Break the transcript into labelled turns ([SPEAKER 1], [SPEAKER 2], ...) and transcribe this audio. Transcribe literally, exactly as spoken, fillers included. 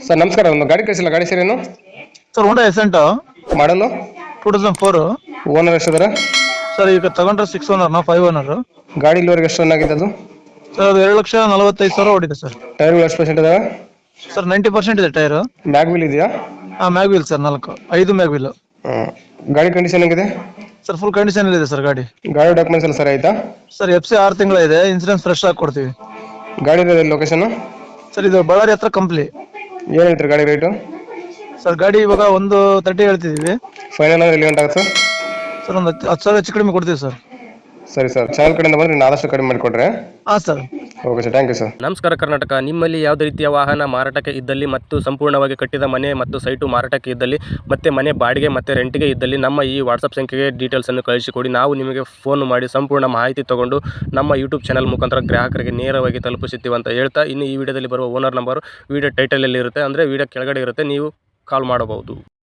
[SPEAKER 1] Sir ನಮಸ್ಕಾರ, ಒಂದು ಗಾಡಿ ಕಳಿಸಿಲ್ಲ, ಗಾಡಿ ಸರ್ ಏನು
[SPEAKER 2] ಸರ್ ಹೋಂಡಾ ಎಸೆಂಟ್
[SPEAKER 1] ಮಾಡಲು
[SPEAKER 2] ಟೂ ತೌಸಂಡ್ ಫೋರ್.
[SPEAKER 1] ಓನರ್ ಎಷ್ಟಿದಾರೆ?
[SPEAKER 2] ಸರ್ ಈಗ ತಗೊಂಡ್ರೆ ಸಿಕ್ಸ್ ಓನರ್ ನಾ ಫೈವ್ ಓನರ್.
[SPEAKER 1] ಗಾಡಿ ಇಲ್ಲಿವರೆಗೆ ಎಷ್ಟು ರನ್ ಆಗಿದೆ ಅದು?
[SPEAKER 2] ಸರ್ ಅದು ಎರಡು ಲಕ್ಷ ನಲವತ್ತೈದು ಸಾವಿರ ಓಡಿದೆ ಸರ್.
[SPEAKER 1] ಟೈರ್ಗಳು ಎಷ್ಟು ಪರ್ಸೆಂಟ್ ಇದಾವೆ?
[SPEAKER 2] ಸರ್ ನೈಂಟಿ ಪರ್ಸೆಂಟ್ ಇದೆ ಟೈರ್.
[SPEAKER 1] ಬ್ಯಾಕ್ ವೀಲ್ ಇದೆಯಾ?
[SPEAKER 2] ಹಾಂ ಮ್ಯಾಗ್ ವೀಲ್ ಸರ್, ನಾಲ್ಕು ಐದು ಮ್ಯಾಗ್ ವೀಲ್.
[SPEAKER 1] ಹ್ಮ್. ಗಾಡಿ ಕಂಡೀಷನ್ ಹೆಂಗಿದೆ?
[SPEAKER 2] ಸರ್ ಫುಲ್ ಕಂಡೀಷನ್ ಇದೆ ಸರ್ ಗಾಡಿ.
[SPEAKER 1] ಗಾಡಿ ಡಾಕ್ಯುಮೆಂಟ್ಸ್ ಎಲ್ಲ ಸರಿ ಆಯ್ತಾ?
[SPEAKER 2] ಸರ್ ಎಫ್ ಸಿ ಆರು ತಿಂಗಳ ಇದೆ, ಇನ್ಸೂರೆನ್ಸ್ ಫ್ರೆಶ್ ಆಗಿ ಕೊಡ್ತೀವಿ.
[SPEAKER 1] ಗಾಡಿ ಲೊಕೇಶನ್?
[SPEAKER 2] ಸರ್ ಇದು ಬಳ್ಳಾರಿ ಹತ್ರ ಕಂಪ್ಲಿ.
[SPEAKER 1] ಏನು ಹೇಳ್ತೀರಿ ಗಾಡಿ ರೇಟು?
[SPEAKER 2] ಸರ್ ಗಾಡಿ ಇವಾಗ ಒಂದು ತರ್ಟಿ ಹೇಳ್ತಿದ್ದೀವಿ.
[SPEAKER 1] ಫೈನಲ್ ಅಂದ್ರೆ ಎಲ್ಲಿ ಗಂಟೆ ಆಗುತ್ತೆ ಸರ್?
[SPEAKER 2] ಸರ್ ಒಂದು ಹತ್ತು ಸಾವಿರ ಹೆಚ್ಚು ಕಡಿಮೆ ಕೊಡ್ತೀವಿ ಸರ್.
[SPEAKER 1] ಸರಿ ಸರ್, ಚಾನಲ್ ಕಡೆಯಿಂದ ಬಂದರೆ ನೀವು ಆದಷ್ಟು ಕಡಿಮೆ ಮಾಡಿಕೊಡ್ರೆ.
[SPEAKER 2] ಹಾಂ sir.
[SPEAKER 1] Okay sir, thank you sir.
[SPEAKER 3] ನಮಸ್ಕಾರ ಕರ್ನಾಟಕ. ನಿಮ್ಮಲ್ಲಿ ಯಾವುದೇ ರೀತಿಯ ವಾಹನ ಮಾರಾಟಕ್ಕೆ ಇದ್ದಲ್ಲಿ ಮತ್ತು ಸಂಪೂರ್ಣವಾಗಿ ಕಟ್ಟಿದ ಮನೆ ಮತ್ತು ಸೈಟು ಮಾರಾಟಕ್ಕೆ ಇದ್ದಲ್ಲಿ ಮತ್ತು ಮನೆ ಬಾಡಿಗೆ ಮತ್ತು ರೆಂಟಿಗೆ ಇದ್ದಲ್ಲಿ ನಮ್ಮ ಈ ವಾಟ್ಸಪ್ ಸಂಖ್ಯೆಗೆ ಡೀಟೇಲ್ಸನ್ನು ಕಳಿಸಿಕೊಡಿ. ನಾವು ನಿಮಗೆ ಫೋನ್ ಮಾಡಿ ಸಂಪೂರ್ಣ ಮಾಹಿತಿ ತೊಗೊಂಡು ನಮ್ಮ ಯೂಟ್ಯೂಬ್ ಚಾನಲ್ ಮುಖಾಂತರ ಗ್ರಾಹಕರಿಗೆ ನೇರವಾಗಿ ತಲುಪಿಸುತ್ತೀವಿ ಅಂತ ಹೇಳ್ತಾ, ಇನ್ನು ಈ ವಿಡಿಯೋದಲ್ಲಿ ಬರುವ ಓನರ್ ನಂಬರು ವಿಡಿಯೋ ಟೈಟಲಲ್ಲಿ ಇರುತ್ತೆ, ಅಂದರೆ ವಿಡಿಯೋ ಕೆಳಗಡೆ ಇರುತ್ತೆ, ನೀವು ಕಾಲ್ ಮಾಡಬಹುದು.